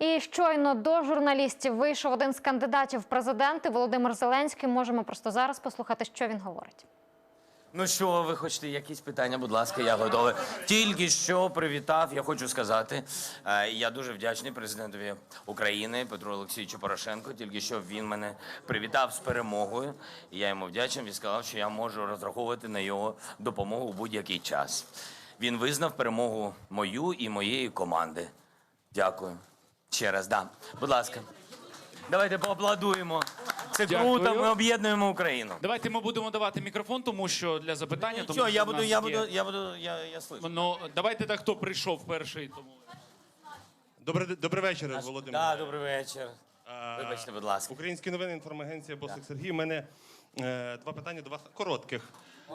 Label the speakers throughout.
Speaker 1: І щойно до журналістів вийшов один з кандидатів в президенти Володимир Зеленський. Можемо просто зараз послухати, що він говорить.
Speaker 2: Ну що, ви хочете якісь питання? Будь ласка, я готовий. Тільки що привітав, я хочу сказати, я дуже вдячний президентові України Петру Олексійовичу Порошенку. Тільки що він мене привітав з перемогою. І я йому вдячний, він сказав, що я можу розраховувати на його допомогу у будь-який час. Він визнав перемогу мою і моєї команди. Дякую. Ще раз, да. Будь ласка. Давайте поаплодуємо. Це
Speaker 3: Дякую.
Speaker 2: круто, ми об'єднуємо Україну.
Speaker 3: Давайте ми будемо давати мікрофон, тому що для запитання... тому
Speaker 2: Що,
Speaker 3: що
Speaker 2: я
Speaker 3: в
Speaker 2: буду,
Speaker 3: нас
Speaker 2: я
Speaker 3: є-
Speaker 2: слышу.
Speaker 3: Ну, давайте так, хто прийшов перший. Тому...
Speaker 4: Добрий вечір, Володимир.
Speaker 2: Так, добрий вечір. Вибачте, будь ласка.
Speaker 4: Українські новини, інформагенція Босик Сергій. У мене два питання до вас коротких.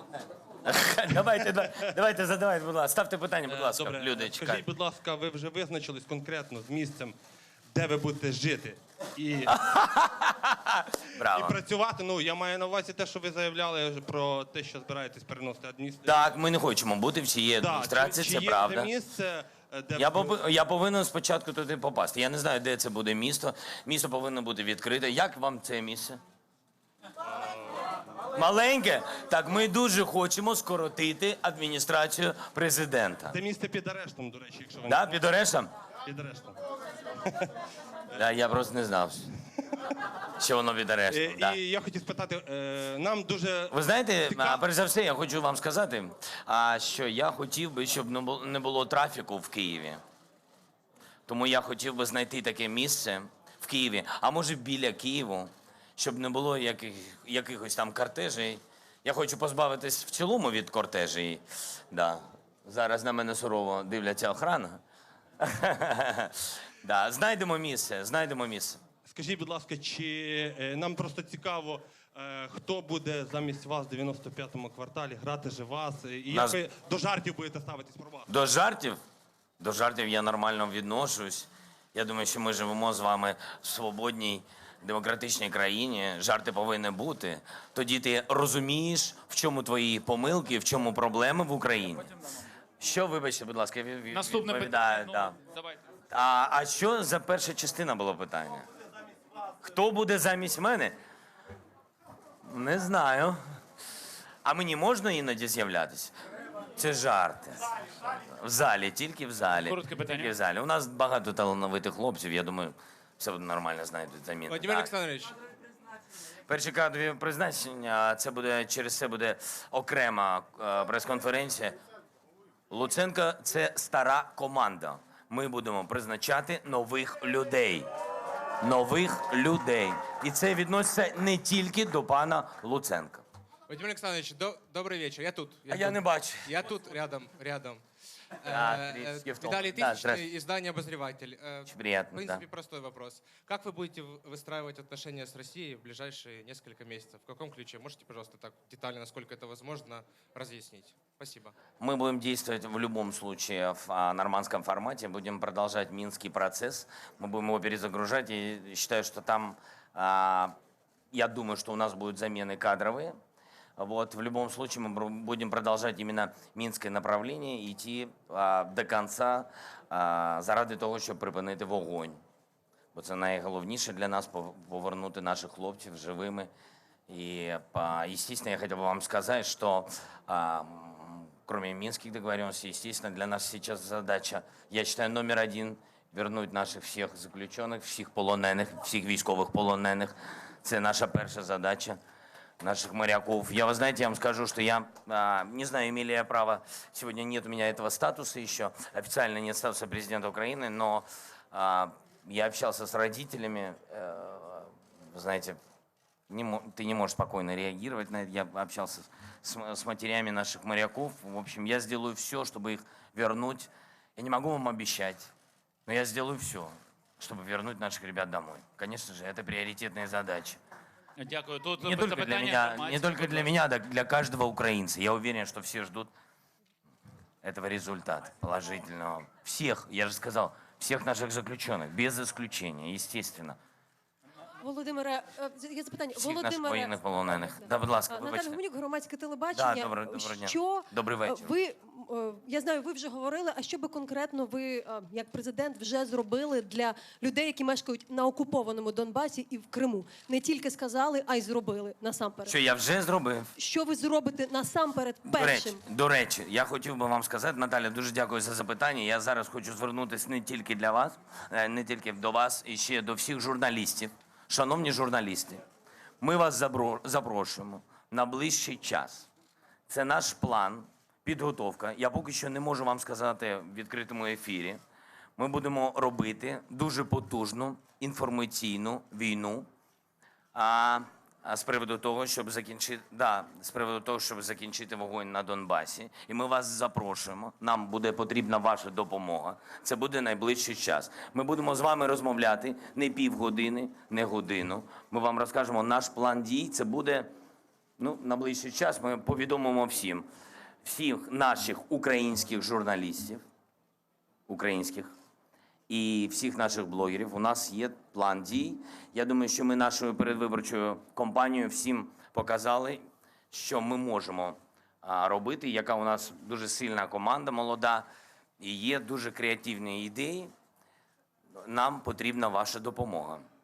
Speaker 2: Давайте, задавайте, будь ласка. Ставте питання, будь ласка.
Speaker 4: Добре.
Speaker 2: Люди, чекають.
Speaker 4: Скажіть, будь ласка, ви вже визначились конкретно з місцем, де ви будете жити і
Speaker 2: Браво.
Speaker 4: працювати? Ну, я маю на увазі те, що ви заявляли про те, що збираєтесь переносити адміністрацію.
Speaker 2: Так, ми не хочемо бути в цій адміністрації,
Speaker 4: Чи
Speaker 2: це
Speaker 4: є
Speaker 2: правда.
Speaker 4: де місце, де
Speaker 2: Я повинен спочатку туди попасти. Я не знаю, де це буде місто. Місто повинно бути відкрите. Як вам це місце? Маленьке? Так, ми дуже хочемо скоротити адміністрацію президента.
Speaker 4: Це місце під арештом, до речі, якщо ви
Speaker 2: Да, під арештом?
Speaker 4: під арештом.
Speaker 2: Да, я просто не знав, що воно під арештом. Да.
Speaker 4: І я хотів спитати, нам дуже
Speaker 2: Ви знаєте,
Speaker 4: цікаво-
Speaker 2: перш за все, я хочу вам сказати, що я хотів би, щоб не було трафіку в Києві. Тому я хотів би знайти таке місце в Києві, а може біля Києву, щоб не було якихось там кортежей. Я хочу позбавитись в цілому від кортежей. Да. Зараз на мене сурово дивляться охрана. Да. Знайдемо місце, знайдемо місце.
Speaker 4: Скажіть, будь ласка, чи нам просто цікаво, хто буде замість вас в 95-му кварталі грати же вас? І
Speaker 2: Нас-
Speaker 4: як ви до жартів будете ставитись про вас?
Speaker 2: До жартів? До жартів я нормально відношусь. Я думаю, що ми живемо з вами в свободній, демократичній країні. Жарти повинні бути. Тоді ти розумієш, в чому твої помилки, в чому проблеми в Україні. Що, вибачте, будь ласка,
Speaker 3: Наступне
Speaker 2: відповідаю,
Speaker 3: питання.
Speaker 2: да.
Speaker 3: Ну, давайте.
Speaker 2: А що за перша частина було питання? Хто буде замість мене? Не знаю. А мені можна іноді з'являтися? Це жарти. В залі, тільки в залі.
Speaker 3: Коротке питання.
Speaker 2: Тільки в залі. У нас багато талановитих хлопців, я думаю, все буде нормально знайдуть заміну.
Speaker 5: Владимир
Speaker 2: Так.
Speaker 5: Олександрович,
Speaker 2: Перші кадрові призначення, це буде, через це буде окрема прес-конференція. Луценко – це стара команда. Ми будемо призначати нових людей. Нових людей. І це відноситься не тільки до пана Луценка.
Speaker 5: Владимир Александрович, добрый вечер. Я тут.
Speaker 2: А я не бачу.
Speaker 5: Я тут, рядом.
Speaker 2: Тридцать в том.
Speaker 5: Виталий
Speaker 2: Да,
Speaker 5: Тысячный,
Speaker 2: здравствуйте.
Speaker 5: издание «Обозреватель».
Speaker 2: Очень приятно,
Speaker 5: В принципе,
Speaker 2: да.
Speaker 5: простой вопрос. Как вы будете выстраивать отношения с Россией в ближайшие несколько месяцев? В каком ключе? Можете, пожалуйста, так детально, насколько это возможно, разъяснить? Спасибо.
Speaker 2: Мы будем действовать в любом случае в нормандском формате, будем продолжать Минский процесс, мы будем его перезагружать, и считаю, что там, я думаю, что у нас будут замены кадровые. Вот, в любом случае мы будем продолжать именно Мінське направление и идти до конца заради того, щоб припинити вогонь. Бо це найголовніше для нас – повернути наших хлопців живими. И, естественно, я хотел бы вам сказать, что кроме Минских договоренностей, естественно, для нас сейчас задача, я считаю, номер один – вернуть наших всех заключенных, всех полонених, всех військовых полонених. Це наша перша задача. Наших моряков. Я, вы знаете, я вам скажу, что я, не знаю, имели я право, сегодня нет у меня этого статуса еще, официально нет статуса президента Украины, но я общался с родителями, вы знаете, ты не можешь спокойно реагировать на это, я общался с матерями наших моряков, в общем, я сделаю все, чтобы их вернуть, я не могу вам обещать, но я сделаю все, чтобы вернуть наших ребят домой. Конечно же, это приоритетная задача.
Speaker 3: Дякую. Тут
Speaker 2: Не только для
Speaker 3: запитання,
Speaker 2: меня, не
Speaker 3: інформація,
Speaker 2: только
Speaker 3: будь
Speaker 2: для
Speaker 3: ласка.
Speaker 2: меня, для каждого украинца. Я уверен, что все ждут этого результата положительного. Всех, я же сказал, всех наших заключенных, без исключения, естественно.
Speaker 6: Володимире, є запитання.
Speaker 2: Всіх наших
Speaker 6: Володимире,
Speaker 2: воєнних полонених. Да, будь ласка,
Speaker 6: Наталя
Speaker 2: вибачте.
Speaker 6: Гуменюк, громадське телебачення.
Speaker 2: Да, доброго дня.
Speaker 6: Що
Speaker 2: Добрий вечір.
Speaker 6: ви, я знаю, ви вже говорили, а що би конкретно ви, як президент, вже зробили для людей, які мешкають на окупованому Донбасі і в Криму? Не тільки сказали, а й зробили насамперед.
Speaker 2: Що я вже зробив?
Speaker 6: Що ви зробите насамперед першим?
Speaker 2: До речі, я хотів би вам сказати, Наталя, дуже дякую за запитання. Я зараз хочу звернутися не тільки для вас, не тільки до вас, і ще до всіх журналістів. Шановні журналісти, ми вас запрошуємо на ближчий час. Це наш план, підготовка. Я поки що не можу вам сказати в відкритому ефірі. Ми будемо робити дуже потужну інформаційну війну. З приводу того, щоб закінчити вогонь на Донбасі. І ми вас запрошуємо. Нам буде потрібна ваша допомога. Це буде найближчий час. Ми будемо з вами розмовляти не півгодини, не годину. Ми вам розкажемо наш план дій. Це буде на ближчий час. Ми повідомимо всіх наших українських журналістів, і всіх наших блогерів. У нас є план дій. Я думаю, що ми нашою передвиборчою кампанією всім показали, що ми можемо робити, яка у нас дуже сильна команда молода, і є дуже креативні ідеї. Нам потрібна ваша допомога.